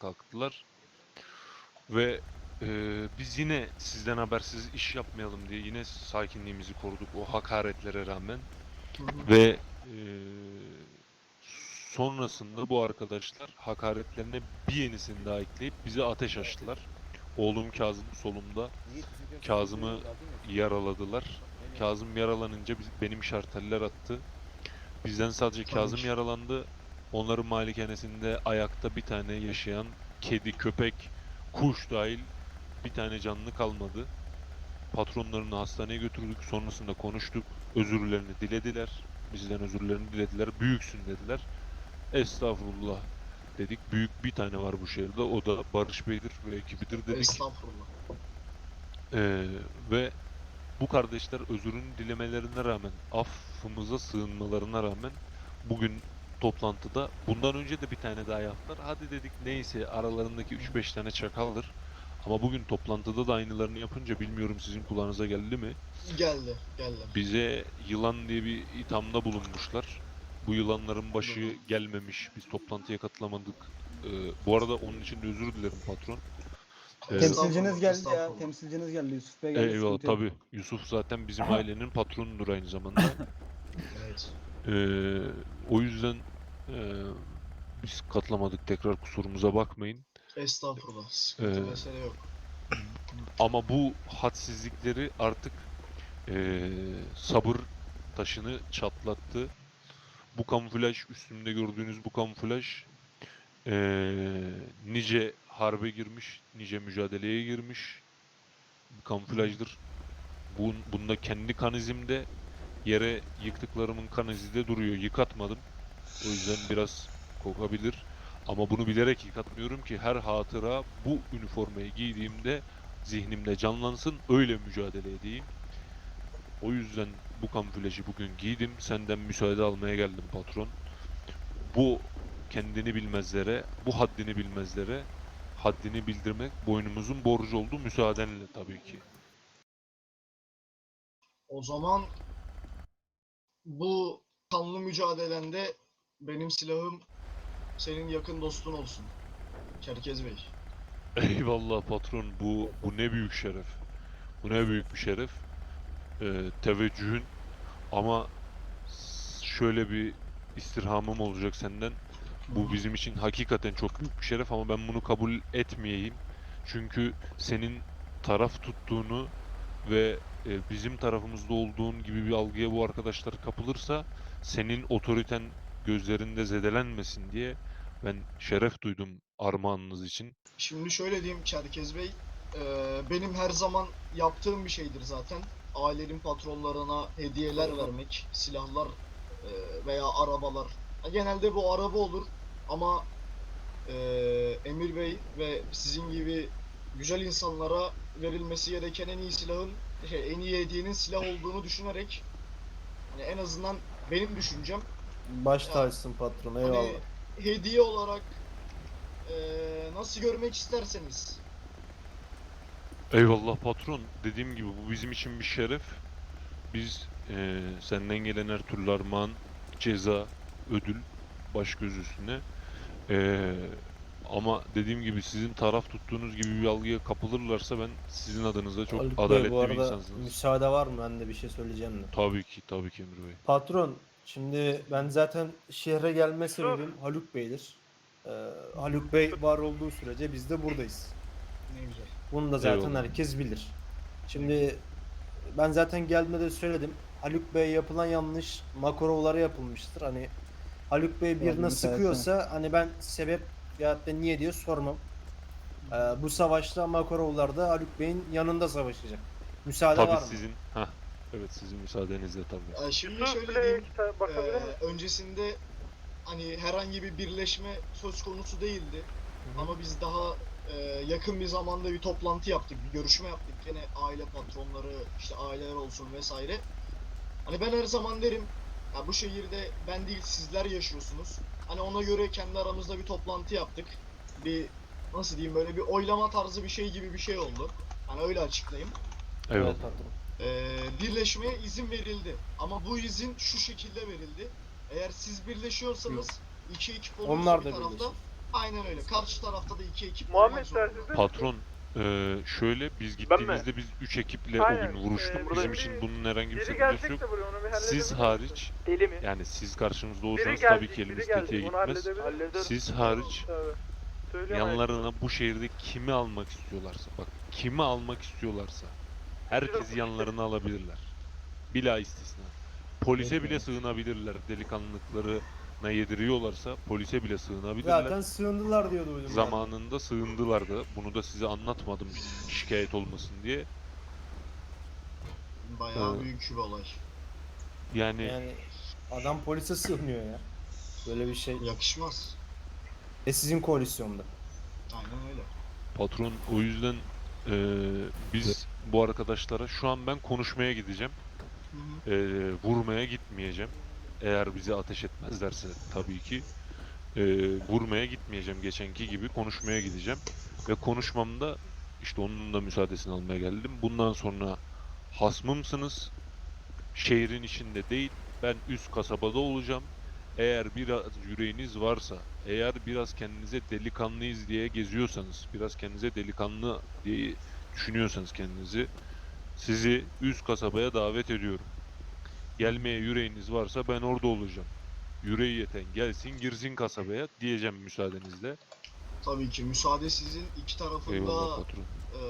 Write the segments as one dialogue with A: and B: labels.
A: kalktılar. Ve biz yine sizden habersiz iş yapmayalım diye yine sakinliğimizi koruduk o hakaretlere rağmen. Ve sonrasında bu arkadaşlar hakaretlerine bir yenisini daha ekleyip bize ateş açtılar. Oğlum Kazım solumda. Kazım'ı yaraladılar. Kazım yaralanınca benim şarteller attı. Bizden sadece
B: Tabii
A: Kazım
B: ki.
A: yaralandı. Onların malikanesinde ayakta bir tane yaşayan kedi, köpek, kuş dahil bir tane canlı kalmadı. Patronlarını hastaneye götürdük. Sonrasında konuştuk. Özürlerini dilediler. Bizden özürlerini dilediler. Büyüksün dediler. Estağfurullah dedik. Büyük bir tane var bu şehirde. O da Barış Bey'dir ve ekibidir dedik.
B: Estağfurullah.
A: Ve bu kardeşler özürünü dilemelerine rağmen, affımıza sığınmalarına rağmen bugün toplantıda bundan önce de bir tane daha yaptılar. Hadi dedik neyse aralarındaki 3-5 tane çakaldır. Ama bugün toplantıda da aynılarını yapınca bilmiyorum sizin kulağınıza geldi mi?
B: Geldi.
A: Bize yılan diye bir ithamda bulunmuşlar. Bu yılanların başı gelmemiş. Biz toplantıya katılamadık. Bu arada onun için de özür dilerim patron.
C: Temsilciniz geldi ya.
B: Estağfurullah.
C: Temsilciniz geldi. Yusuf Bey geldi.
A: Eyvallah
C: Sıkıntı yok.
A: tabii. Yusuf zaten bizim ailenin patronudur aynı zamanda.
B: Evet.
A: O yüzden biz katılamadık. Tekrar kusurumuza bakmayın.
B: Estağfurullah. Sıkıntı
A: Ee,
B: mesele yok.
A: Ama bu hadsizlikleri artık sabır taşını çatlattı. Bu kamuflaj, üstümde gördüğünüz bu kamuflaj nice harbe girmiş, nice mücadeleye girmiş bir kamuflajdır. Bunda kendi kan izimde, yere yıktıklarımın kan izi de duruyor. Yıkatmadım. O yüzden biraz kokabilir. Ama bunu bilerek yıkatmıyorum ki her hatıra bu üniformayı giydiğimde zihnimde canlansın, öyle mücadele edeyim. O yüzden bu kamuflajı bugün giydim. Senden müsaade almaya geldim patron. Bu kendini bilmezlere, bu haddini bilmezlere haddini bildirmek boynumuzun borcu oldu. Müsaadenle tabii ki.
B: O zaman bu kanlı mücadelende benim silahım senin yakın dostun olsun. Çerkez Bey.
A: Eyvallah patron. Bu ne büyük şeref. Bu ne büyük bir şeref. Teveccühün ama şöyle bir istirhamım olacak senden. Bu bizim için hakikaten çok büyük bir şeref ama ben bunu kabul etmeyeyim. Çünkü senin taraf tuttuğunu ve bizim tarafımızda olduğun gibi bir algıya bu arkadaşlar kapılırsa senin otoriten gözlerinde zedelenmesin diye ben şeref duydum armağanınız için.
B: Şimdi şöyle diyeyim Çerkez Bey. Benim her zaman yaptığım bir şeydir zaten. Ailenin patronlarına hediyeler vermek, silahlar veya arabalar. Genelde bu araba olur ama Emir Bey ve sizin gibi güzel insanlara verilmesi gereken en iyi silahın, en iyi hediyenin silah olduğunu düşünerek, hani en azından benim düşüncem,
C: Baş tacısın patron. Eyvallah.
B: hani hediye olarak nasıl görmek isterseniz.
A: Eyvallah patron. Dediğim gibi bu bizim için bir şeref. Biz senden gelen her türlü armağan, ceza, ödül baş göz üstüne. Ama dediğim gibi sizin taraf tuttuğunuz gibi bir algıya kapılırlarsa ben sizin adınıza çok
C: Haluk Bey,
A: adaletli
C: bu
A: bir
C: arada
A: insansınız.
C: müsaade var mı? Ben de bir şey söyleyeceğim de.
A: Tabii ki, tabii ki Emir Bey.
C: Patron, şimdi ben zaten şehre gelme sebebim Haluk Bey'dir. Haluk Bey var olduğu sürece biz de buradayız.
B: Ne güzel.
C: Bunu da zaten
A: Eyvallah.
C: herkes bilir. Şimdi ben zaten gelmeden söyledim. Haluk Bey'e yapılan yanlış Makarovlara yapılmıştır. Hani Haluk Bey birine sıkıyorsa hani ben sebep ya da niye diye sormam. Bu savaşta Makarovlar da Haluk Bey'in yanında savaşacak. Müsaade
A: Tabii
C: var mı?
A: sizin, evet sizin müsaadenizle tabii.
B: Şimdi şöyle diyeyim, öncesinde hani herhangi bir birleşme söz konusu değildi. Ama biz daha yakın bir zamanda bir toplantı yaptık, bir görüşme yaptık. Yine aile patronları, işte aileler olsun vesaire. Hani ben her zaman derim, ya bu şehirde ben değil sizler yaşıyorsunuz. Hani ona göre kendi aramızda bir toplantı yaptık. Bir nasıl diyeyim, böyle bir oylama tarzı bir şey gibi bir şey oldu. Hani öyle açıklayayım.
A: Eyvallah.
C: Evet patron.
B: Birleşmeye izin verildi. Ama bu izin şu şekilde verildi. Eğer siz birleşiyorsanız iki ekip olursa
C: Onlar
B: bir
C: da
B: tarafta,
C: birleşir.
B: Aynen öyle. Karşı tarafta da 2 ekip
D: Muhammed
B: olmak zorunda.
D: tersizde
A: Patron, şöyle biz gittiğimizde biz 3 ekiple o
D: Aynen,
A: gün vuruştuk.
D: burada
A: Bizim
D: bir-
A: için bunun herhangi bir
D: biri
A: sakıncası
D: gelecek
A: yok.
D: de buraya onu bir halledebilir
A: Siz
D: misin?
A: hariç,
D: Deli mi?
A: yani siz karşımızda
D: Biri
A: olsanız
D: gelecek,
A: tabii ki
D: biri
A: elimiz
D: gelecek.
A: tetiğe
D: Onu
A: gitmez.
D: halledebilir.
A: Siz hariç
D: Tabii. Söylüyorum
A: yanlarına bu şehirde kimi almak istiyorlarsa, bak kimi almak istiyorlarsa herkesi yanlarına alabilirler. Bila istisna. Polise bile sığınabilirler. Delikanlılıklarına yediriyorlarsa polise bile sığınabilirler.
C: Zaten sığındılar diye duydum ben.
A: Zamanında sığındılar da. Bunu da size anlatmadım şikayet olmasın diye.
B: Bayağı büyük bir olay.
A: Yani
C: Yani adam polise sığınıyor ya. Böyle bir şey.
B: Yakışmaz.
C: Sizin koalisyonda.
B: Aynen öyle.
A: patron, o yüzden biz bu arkadaşlara şu an ben konuşmaya gideceğim.
B: Hı hı.
A: Vurmaya gitmeyeceğim. Eğer bizi ateş etmezlerse tabii ki. Vurmaya gitmeyeceğim, geçenki gibi konuşmaya gideceğim. Ve konuşmamda işte onun da müsaadesini almaya geldim. Bundan sonra hasmımsınız. Şehrin içinde değil, ben üst kasabada olacağım. Eğer biraz yüreğiniz varsa, eğer biraz kendinize delikanlıyız diye geziyorsanız, biraz kendinize delikanlı diye düşünüyorsanız kendinizi, sizi üst kasabaya davet ediyorum. Gelmeye yüreğiniz varsa ben orada olacağım. Yüreği yeten gelsin girsin kasabaya diyeceğim müsaadenizle.
B: Tabii ki müsaade sizin. İki tarafında
A: Eyvallah patron.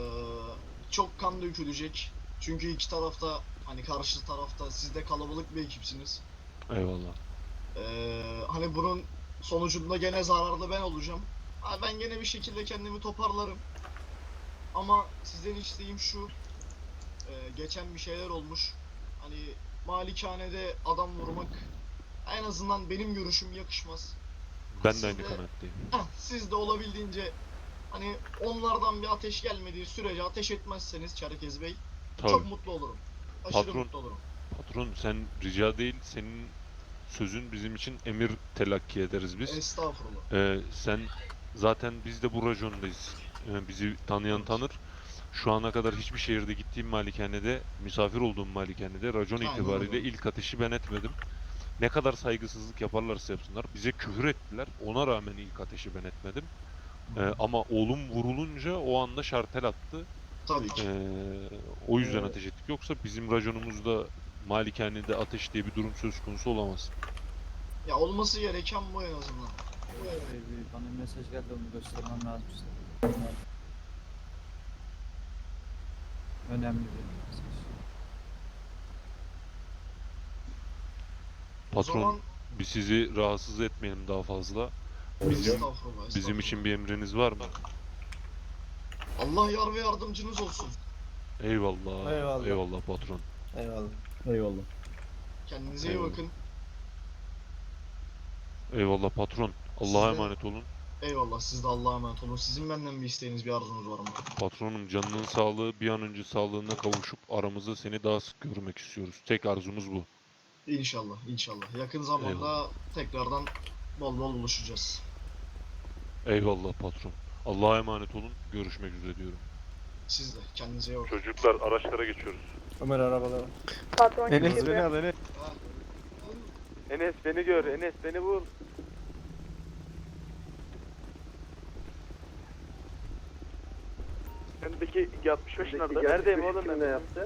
B: çok kan dökülecek. Çünkü iki tarafta hani karşı tarafta siz de kalabalık bir ekipsiniz.
A: Eyvallah.
B: Hani bunun sonucunda gene zararlı ben olacağım. Ha, ben gene bir şekilde kendimi toparlarım. Ama sizden isteğim şu. Geçen bir şeyler olmuş. Hani malikanede adam vurmak en azından benim görüşüm yakışmaz.
A: Ben
B: Siz
A: de aynı
B: de-
A: kanaatteyim.
B: Siz de olabildiğince hani onlardan bir ateş gelmediği sürece ateş etmezseniz Çerkez Bey
A: Tabii.
B: çok mutlu olurum. Aşırı
A: Patron.
B: mutlu olurum.
A: Patron sen rica değil, senin sözün bizim için emir telakki ederiz biz.
B: Estağfurullah.
A: Sen zaten biz de bu rajondayız. Bizi tanıyan tanır. Şu ana kadar hiçbir şehirde gittiğim malikanede, misafir olduğum malikanede racon
B: Aynen
A: itibariyle
B: öyle.
A: ilk ateşi ben etmedim. Ne kadar saygısızlık yaparlarsa yapsınlar. Bize küfür ettiler. Ona rağmen ilk ateşi ben etmedim. Ama oğlum vurulunca o anda şartel attı.
B: Tabii ki.
A: O yüzden ateş ettik. Yoksa bizim raconumuzda malikanede ateş diye bir durum söz konusu olamaz.
B: Ya olması gereken bu en azından.
E: Bana mesaj geldi onu göstermem lazım size. Önemli bir mesaj.
B: O
A: Patron,
B: zaman
A: biz sizi rahatsız etmeyelim daha fazla. Bizim
B: estağfurullah,
A: bizim için bir emriniz var mı?
B: Allah yar ve yardımcınız olsun.
A: Eyvallah.
C: Eyvallah.
A: Eyvallah patron.
C: Eyvallah.
E: Eyvallah.
B: Kendinize iyi
A: Eyvallah.
B: bakın.
A: Eyvallah patron. Allah'a
B: Size-
A: emanet olun.
B: Eyvallah, siz de Allah'a emanet olun. Sizin benden bir isteğiniz, bir arzunuz var mı?
A: Patronum, canının sağlığı bir an önce sağlığına kavuşup aramızda seni daha sık görmek istiyoruz. Tek arzumuz bu.
B: İnşallah, inşallah. Yakın zamanda
A: Eyvallah.
B: tekrardan bol bol buluşacağız.
A: Eyvallah patron. Allah'a emanet olun. Görüşmek üzere diyorum.
B: Siz de kendinize iyi bakın.
A: Çocuklar, araçlara geçiyoruz.
C: Ömer arabalara.
D: Patron
F: Enes
D: kimse-
F: beni al Enes.
B: Ha,
D: Enes beni gör. Enes beni bul. Öndeki 65 nerede? Neredeyim oğlum ben? Ne yaptı?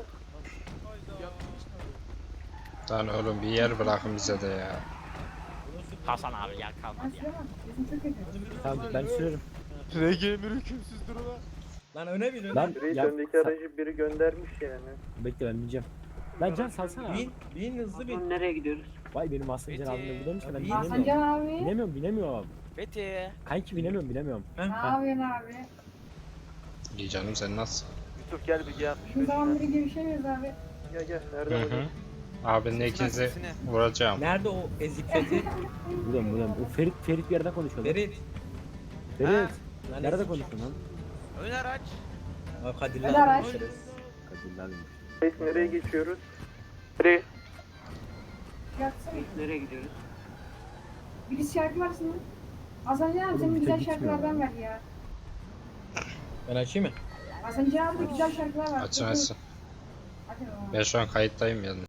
F: Lan oğlum bir yer bırakın bize de ya.
G: Hasan abi yer kalmadı ya.
E: Tamam ben sürerim.
F: RG emir hükümsüz duruma.
H: Lan öne bin öne.
E: Lan ya,
D: öndeki aracı biri göndermiş yani.
E: bekle ben bineceğim. Lan Can salsana.
H: Bin hızlı bin.
G: Nereye gidiyoruz?
E: Vay benim Hasan Can abimle buradaymış da ben
H: Bin.
E: binemiyorum.
I: Hasancan abi.
E: Binemiyorum.
G: Fethi.
E: Kanki binemiyorum.
I: Ne yapıyorsun abi?
F: İyi canım sen nasılsın?
D: Yusuf gel bir gel.
I: Uzun zamandır görüşemiyoruz abi.
D: Gel
F: Hı
D: nerede
F: hı. Abinin ikinizi vuracağım.
H: Nerede o ezik Fethi?
E: Buradayım. O Ferit bir yerde konuşuyor. lan.
H: Ferit.
E: Ferit.
H: Lan
E: Nerede
H: ezik.
E: konuşuyorsun lan?
G: Ön araç.
H: Bak Kadir'le
I: Hadi araç.
H: konuşuruz.
E: Kadir abi.
D: Nereye geçiyoruz? Nereye?
I: Yatsana.
G: Nereye gidiyoruz?
I: Bir şarkı varsın mı? Hasancan abi
E: Oğlum,
I: senin
E: bir
I: güzel
E: de gitmiyor
I: şarkılardan
E: ya.
I: ver ya.
H: Ben açayım mı?
I: Hasancan abi de güzel şarkılar var.
F: Açın açın.
I: Hadi bakalım.
F: Ben şu an kayıttayım yani.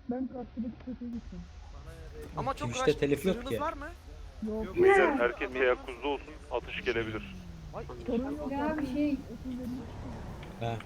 G: Ama çok
H: Girişte telif yok ki.
G: var mı?
A: Herkes teyakkuzda olsun. Atış gelebilir.
I: Ya bir şey.
H: Ha.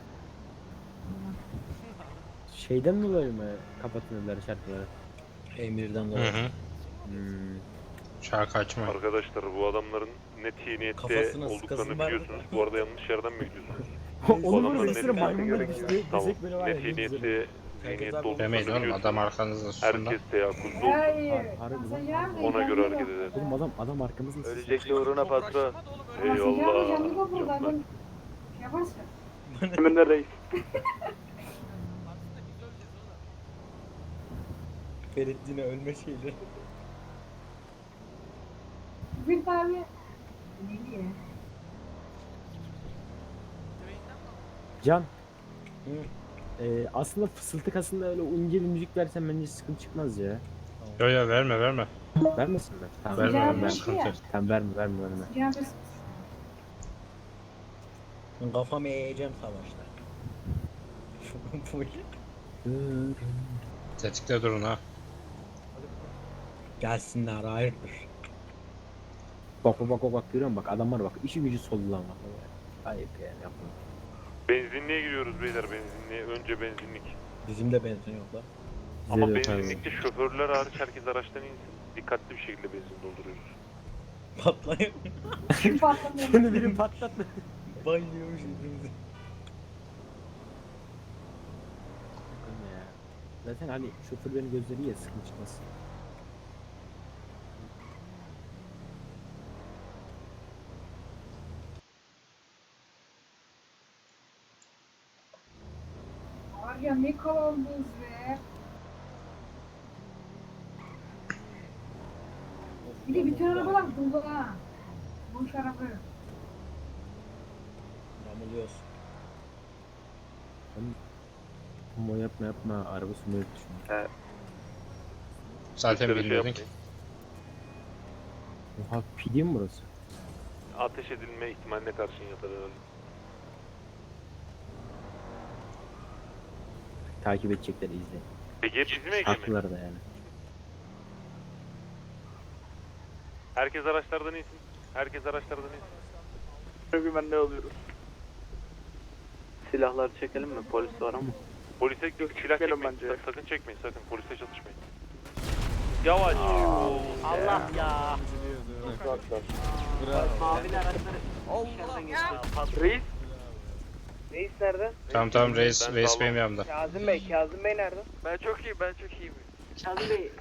E: Şeyden dolayı mı kapatıyorlar şarkıları?
H: Emirden
F: Hı
H: dolayı.
F: hı. Şarkı açma.
A: Arkadaşlar bu adamların net iyi niyette
H: Kafasına
A: olduklarını
H: sıkasın vardı.
A: biliyorsunuz. Bu arada yanlış yerden mi gidiyorsunuz?
E: Onun
A: adamların
E: sesleri
A: net-
E: maymunlar düştü.
A: Tamam.
E: Desek böyle var ya.
A: Net iyi niyette zihniyette
H: abi
A: olduklarını
F: Demeyin oğlum
A: biliyorsunuz.
F: adam arkanızda susun da.
A: Herkes teyakkuzda olsun.
I: Hayır.
E: Harbi lan.
I: Masajlar da
A: Ona göre hareket
I: yanıyor.
A: eder.
E: Oğlum adam arkamızda.
D: Ölecek uğruna patron.
I: Masajlar da
A: Eyvallah.
I: yanıyor burada. Adam şey yaparsa.
D: Emine reis.
H: Ferit yine ölme şeyleri.
I: Bir tane. Ne diye?
E: Can.
H: Hı.
E: Aslında fısıltık aslında öyle ince bir müzik versen bence sıkıntı çıkmaz ya.
F: Yo yo verme verme.
E: Vermesinler. Tamam,
F: Verme
I: Güzel
F: verme
I: bir şey
F: sıkıntı
I: ya.
F: yok.
E: Tamam verme.
I: Sıcağın bir
H: Ben kafamı eğeceğim savaşta.
F: Tetikte durun ha.
H: Gelsinler hayırdır.
E: Bak görüyor musun bak adamlar bak işi gücü soldu lan bak. Ayıp yani yapma.
A: Benzinliğe giriyoruz beyler, benzinliğe. Önce benzinlik.
H: Bizim de benzin yok lan.
A: Ama
E: Bize de yok abi.
A: benzinlikte şoförler hariç herkes araçtan insin. Dikkatli bir şekilde benzin dolduruyoruz.
H: Patlayıp
I: patlamıyor.
E: Şimdi birim patlattı.
H: bayılıyormuş birbirimize.
E: Ya. Zaten hani şoförlerin gözleri ya sıkıntı çıkmaz.
I: Var ya ne kalabalığız be. Bir de bütün arabalar dolu ha. Boş araba.
H: Yamuluyoruz.
E: Ama yapma araba sürmeyi düşün.
F: Zaten
A: Dışarı şey
F: bilmiyordun ki.
A: yapmayın.
E: Oha pidi mi burası?
A: Ateş edilme ihtimaline karşın yatar herhalde.
E: Takip edecekler izle.
A: Peki hep bizim ekle mi?
E: Haklılar da yani.
A: Herkes araçlardan insin. Herkes araçlardan insin.
D: Güvenli alıyoruz. Silahları çekelim mi? Polis var ama.
A: Polise silah
D: çekelim
A: çekmeyin.
D: bence.
A: Sakın çekmeyin sakın. Polise çatışmayın. Yavaş.
G: Allah ya.
D: Mavi araçları.
G: Allah.
D: Reis. Reis nerede?
F: Tamam reis
A: Ben
F: reis
A: sağlam.
F: benim yanımda.
D: Kazım Bey nerede? Ben çok iyiyim. Kazım Bey.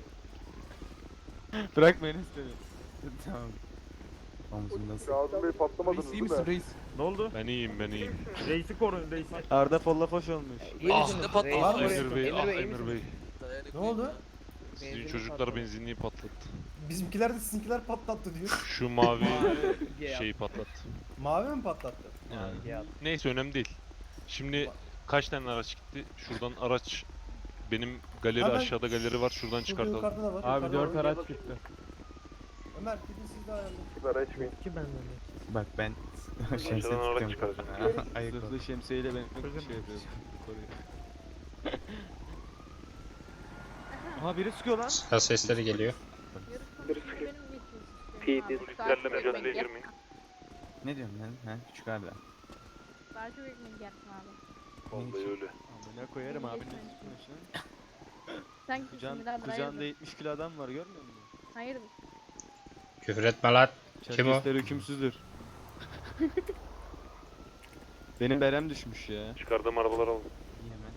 J: Bırak beni istedi. Tamam.
D: Kazım Bey patlamadınız
J: Reis iyi misin reis? Ne oldu?
A: Ben iyiyim.
J: Reisi korun reisi. Arda Follafoş olmuş.
A: Emir Bey, Emir Bey.
C: Ne oldu?
A: Sizin çocuklar benzinliği patlattı.
C: Bizimkiler de sizinkiler patlattı diyor.
A: Şu mavi şeyi patlattı.
C: Mavi mi patlattı?
A: Yani. Neyse önemli değil. Şimdi kaç tane araç gitti? Şuradan araç benim galeri
C: Hemen
A: aşağıda galeri var. Şuradan
C: Şurada
A: çıkartalım.
C: yukarıda da var.
J: Abi
C: yukarıda
J: 4
C: var.
J: araç gitti.
C: Ömer gidin siz de ayarlayın.
D: Sigara içmeyin.
J: Bak ben
A: Aşağıdan araç çıkaracağım.
J: zırhlı şemsiyeyle ben şey yapıyorum. Aha biri sıkıyor lan.
F: Silah sesleri geliyor.
A: Polislerle mücadeleye girmeyin.
J: Ne diyorsun lan? Ha küçük Arda.
I: Daha çok ekmek yersin abi.
A: Vallahi öyle.
J: Amına koyarım abinin üstüne.
I: Sen
J: Kucağında 70 kilo adam var görmüyor musun?
I: Hayır.
F: Küfür etme lan. Kim o?
J: Çerkesler hükümsüzdür. Benim berem düşmüş ya.
A: Çıkardığım arabalar aldım.
J: İyi hemen.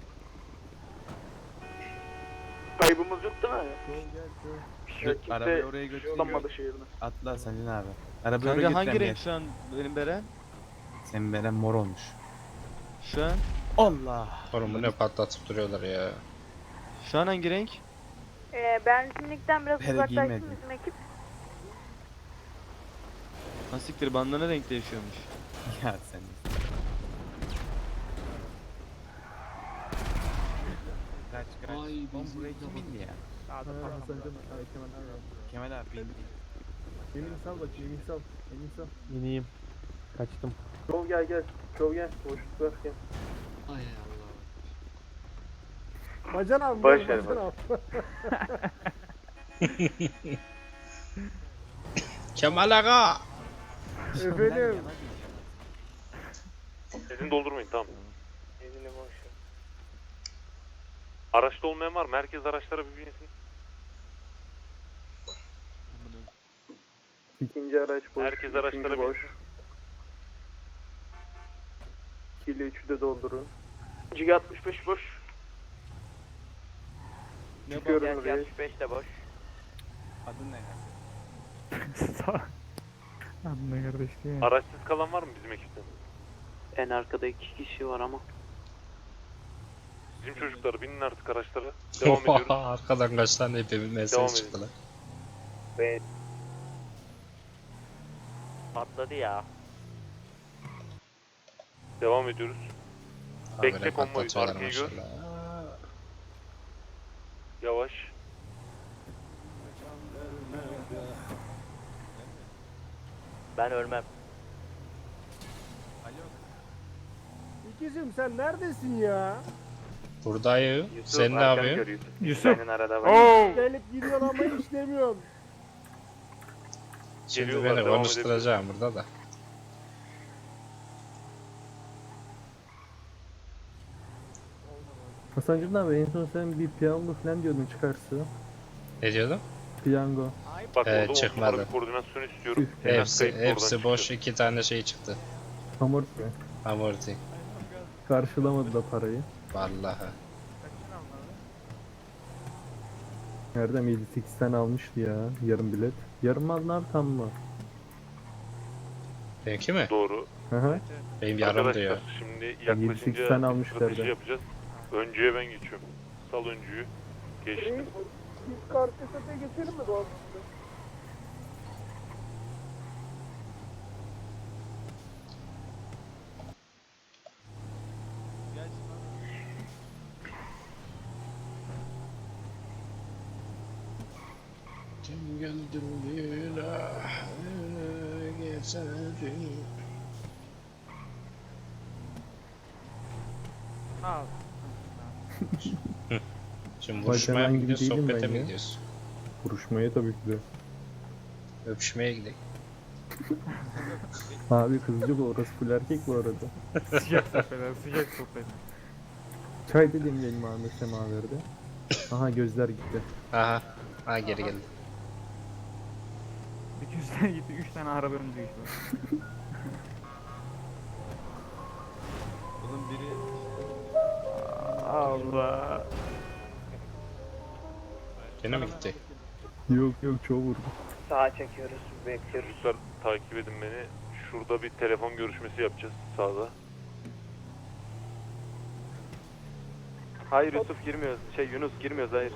D: Kaybımız yok değil mi?
J: Arabayı oraya götürüyor.
D: Kullanmadı şehirde.
K: Atla Selin abi. Arabayı
J: Kanka
K: oraya
J: hangi
K: götüren
J: renk şu an benim berem?
K: Senin beren mor olmuş.
J: Şu an?
K: Allah.
F: Oğlum bu ne patlatıp duruyorlar ya.
J: Şu an hangi renk?
I: Benzinlikten biraz
K: Hele
I: uzaklaşsın
K: giymedim.
I: bizim ekip.
J: Nasiktir bandana renk değişiyormuş.
K: Ya sen. Kaç. Oğlum buraya kim indi ya? Kemal abi bindi.
E: İneyim. Kaçtım.
D: Çov gel. Çov gel. Boşluk ver gel.
E: Bacan abi.
D: Boş ver,
E: bacan
D: boş.
E: abi.
F: Kemal Aga.
E: Efendim.
A: Benzin doldurmayın tamam.
D: Benzini boş ver.
A: Araçta olmayan var mı? Herkes araçlara bir binsin.
D: İkinci araç boş.
A: Herkes araçlara
D: boş.
A: binsin.
D: 2 ile 3'ü de doldurun. Cig 65 boş. Çıkıyorum oraya. 65 de boş.
K: Adın ne?
A: Araçsız kalan var mı bizim ekipten?
D: En arkada 2 kişi var ama.
A: Bizim çocuklar binin artık araçlara. Devam ediyoruz.
F: Arkadan kaç tane hepimiz
A: Devam
F: mesaj
A: edin.
F: çıktı lan.
D: Patladı ya.
A: Devam ediyoruz. Bekle
F: Habire
A: konvoyu,
F: patlatıyorlar
A: arkayı gör.
F: maşallah.
A: Yavaş.
D: Ben ölmem.
E: İkizim sen neredesin ya?
F: Buradayım. Sen ne yapıyorsun?
D: Senin arada var.
E: Gelip gidiyorsun ama işlemiyorsun.
F: Şimdi
A: Geliyorlar,
F: beni
A: devam
F: konuşturacağım burada da.
E: Hasancığım abi en son sen bir piyango falan diyordun çıkarsa.
F: Ne diyordum?
E: Piyango.
A: Bak orada 10
F: çıkmadı.
A: numara bir koordinasyon istiyorum.
F: Hepsi boş, 2 tane şey çıktı.
E: Amort
F: Amorti.
E: karşılamadı da parayı.
F: Vallahi.
E: Erdem 58 tane almıştı ya yarım bilet. Yarım mı aldın abi tam mı?
F: Benimki mi?
A: Doğru.
E: Hı hı.
F: Benim yarım
A: Arkadaşlar
F: diyor.
A: şimdi
E: 7-8
A: yaklaşınca
E: tane
A: bir
E: almışlar
A: strateji
E: da.
A: yapacağız. Öncüye ben geçiyorum. Sal öncüyü. Geçtim.
D: geçelim mi doğru?
F: Kim geldi bir geçelim.
K: Al.
F: Şimdi
E: Vay,
F: vuruşmaya
E: ben
F: mı
E: gibi
F: gidiyoruz,
E: değilim
F: sohbete
E: ben
F: mi
E: ya.
F: gidiyoruz?
E: Vuruşmaya tabii ki de.
F: Öpüşmeye gidelim.
E: Abi kızcık orası full erkek bu arada.
K: Sıcak sohbetler, sıcak sohbet.
E: Çay dediğim benim Ahmet Semaver'de. Aha gözler gitti.
F: Aha. Ha geri geldi.
K: 200 tane gitti, 3 tane araba önümüze geçti.
J: Oğlum biri
K: Allah.
F: Gene mi gitti?
E: Yok yok çoğu vurdu.
D: Sağa çekiyoruz, bekliyoruz.
A: Çocuklar takip edin beni. Şurada bir telefon görüşmesi yapacağız sağda.
J: Hayır Yusuf girmiyoruz. Yunus girmiyoruz hayır.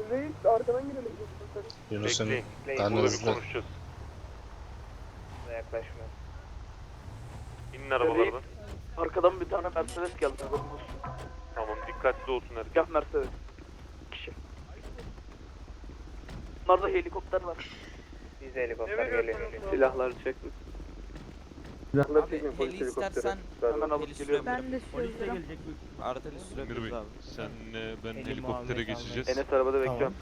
F: Yunus'un
A: Bekleyin.
F: karnı
A: Burada bir
F: hızlı.
A: konuşacağız.
D: Yaklaşma.
A: İnin arabalardan.
D: Arkadan bir tane Mercedes geldi.
A: Tamam dikkatli olsun herkes.
D: Siyah Mercedes. Kişi. Bunlarda helikopter var. Biz helikopter geliyor. Silahları çekmiş.
J: Abi heli istersen
D: Hemen alıp geliyorum.
I: Ben de
K: Polis de
I: sürdürüm.
K: gelecek.
J: Arada
A: Emir
J: sürebiliriz
A: Bey,
J: abi.
A: senle ben
K: Elim
A: helikoptere
K: almaya
A: geçeceğiz.
D: Enes arabada
C: Tamam.
D: bekliyorum.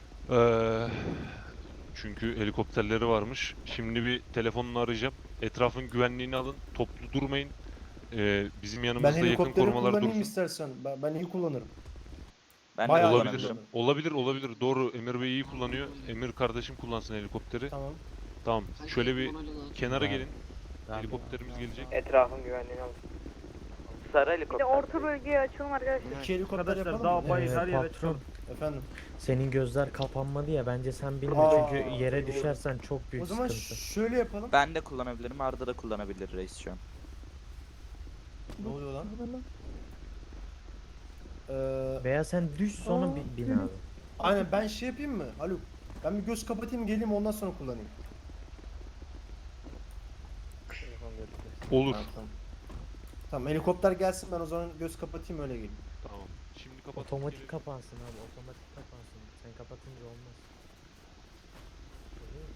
A: Çünkü helikopterleri varmış. Şimdi bir telefonla arayacağım. Etrafın güvenliğini alın. Toplu durmayın. Bizim
C: Ben
A: yanımızda yakın
C: helikopteri
A: korumalar
C: kullanayım
A: dursun.
C: istersen. Ben iyi kullanırım.
J: Ben
C: Bayağı
J: de
A: Olabilir.
C: kullanırım.
A: Olabilir. Doğru. Emir Bey iyi kullanıyor. Emir kardeşim kullansın helikopteri.
C: Tamam.
A: Tamam. Şöyle bir kenara gelin.
K: Tamam.
A: Helikopterimiz gelecek.
D: Etrafın güvenliğini al. Sarı
I: Bir
D: helikopter.
I: de orta bölgeye açalım arkadaşlar.
C: İki helikopter
K: Arkadaşlar
C: yapalım
K: daha
C: mı?
K: bayır her yere
G: patron.
K: çıkalım.
C: Efendim.
G: Senin gözler kapanmadı ya bence sen binme
C: Aa,
G: çünkü yere düşersen çok büyük
C: O zaman
G: sıkıntı.
C: şöyle yapalım.
J: Ben de kullanabilirim. Arda da kullanabilir reis şu an.
C: Ne oluyor lan?
G: Veya sen düş sonra bin abi.
C: Aynen ben şey yapayım mı? Haluk. Ben bir göz kapatayım geleyim ondan sonra kullanayım.
A: Olur.
C: Tamam. Tamam helikopter gelsin ben o zaman göz kapatayım öyle geleyim.
A: Tamam. Şimdi kapat.
G: Otomatik kapansın abi otomatik kapansın. Sen kapatınca olmaz. Oluyor mu?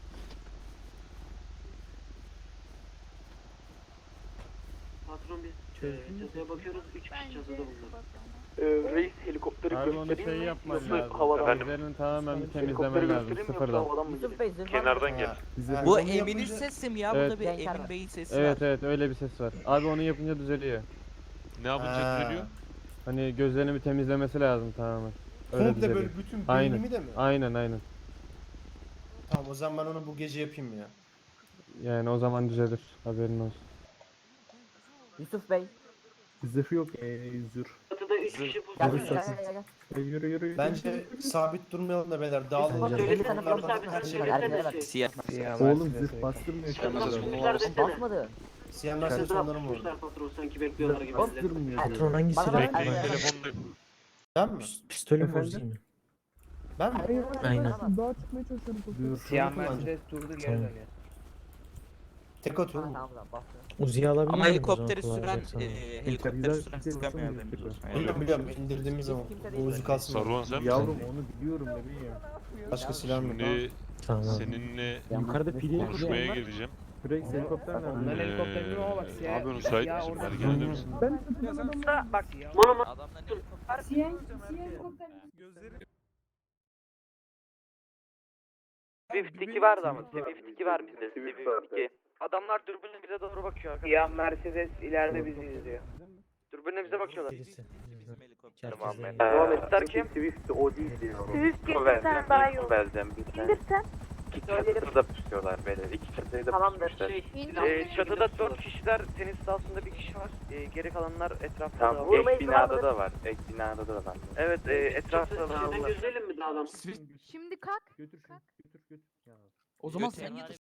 D: Patron biz
H: Çatıya bakıyoruz 3 kişi çatıda bulundu.
J: Reis helikopteri
E: Abi onu
J: göstereyim mi?
E: yapman
J: Yoksa
E: lazım.
J: havadan mı?
E: Üzerinin tamamen bir
J: Helikopteri
E: temizlemen lazım
J: göstereyim mi yoksa
E: sıfırdan.
J: havadan mı geleyim?
A: Kenardan gel.
C: Bu
K: Bu Emin'in sesi mi ya?
E: Evet.
K: Burada bir Emin Bey'in sesi
E: Evet
K: var.
E: evet öyle bir ses var. Abi onu yapınca düzeliyor.
A: Ne yapınca düzeliyor?
E: Hani gözlerini bir temizlemesi lazım tamamen. Öyle
C: Komple
E: düzeliyor.
C: böyle bütün
E: Aynen.
C: beynimi de mi?
E: Aynen.
C: Tamam o zaman ben onu bu gece yapayım ya.
E: Yani o zaman düzelir. Haberin olsun.
K: Yusuf Bey.
E: Zırh yok zırh.
H: Çatıda 3 kişi
K: Gel
H: bulundu.
E: Yürü.
C: Bence sabit durmayalım da beyler dağılalım.
H: Bence de.
C: Onlardan her şey
K: Siyah.
E: Oğlum zırh bastırmıyor
H: Basmadı.
C: Siyah Mercedes onların mı orada?
H: Patron sanki bekliyorlar gibi.
E: Bastırmıyor.
G: Patron hangi
K: Bana
G: silah?
K: bak.
A: Bekleyin telefondayım.
C: Ben mi?
G: Pistolü mü
E: Efendim?
G: uzayım mı?
C: Ben mi?
G: Aynen.
C: Siyah Mercedes
G: durdu geri dönüyor.
C: tek atıyorum.
G: Uzi'yi alabilir
K: Ama
G: miyim o
K: helikopteri
G: zaman
K: süren,
G: kullanacaksan?
K: helikopteri süren sıkamıyor haberiniz olsun.
C: Biliyorum indirdiğimiz zaman. Bu uzu kalsın.
A: Saruhan sen misin?
E: Yavrum onu biliyorum bebeğim.
C: Başka silah mı?
A: Şimdi
G: Tamam.
A: seninle
E: Yukarıda pili
A: konuşmaya geleceğim.
E: Rex helikopter
A: Abi müsait misin? Ergen'de misin?
I: Siyah helikopter.
D: Swift 2 vardı ama. Swift 2 var bizde. Swift 2. Adamlar dürbünle bize doğru bakıyor arkadaşlar. Ya Mercedes ileride bizi izliyor. Dürbünle bize bakıyorlar.
G: Birisi.
D: Tamam.
G: Herkes
D: Devam ettiler kim?
J: Swift o değil diyor.
I: Swift getirsen daha iyi olur.
J: Vereceğim bir tane.
I: İndirsen.
J: İki çatıda da pusuyorlar böyle. İki çatıda da pusuyorlar.
D: Çatıda 4 kişiler, tenis sahasında bir kişi var. Geri kalanlar etrafta.
J: Tamam, ek binada da var. Ek binada da var.
D: Evet, etrafta var.
H: Gözleyelim mi daha adam?
I: Şimdi kalk.
E: Götür.
K: O zaman sen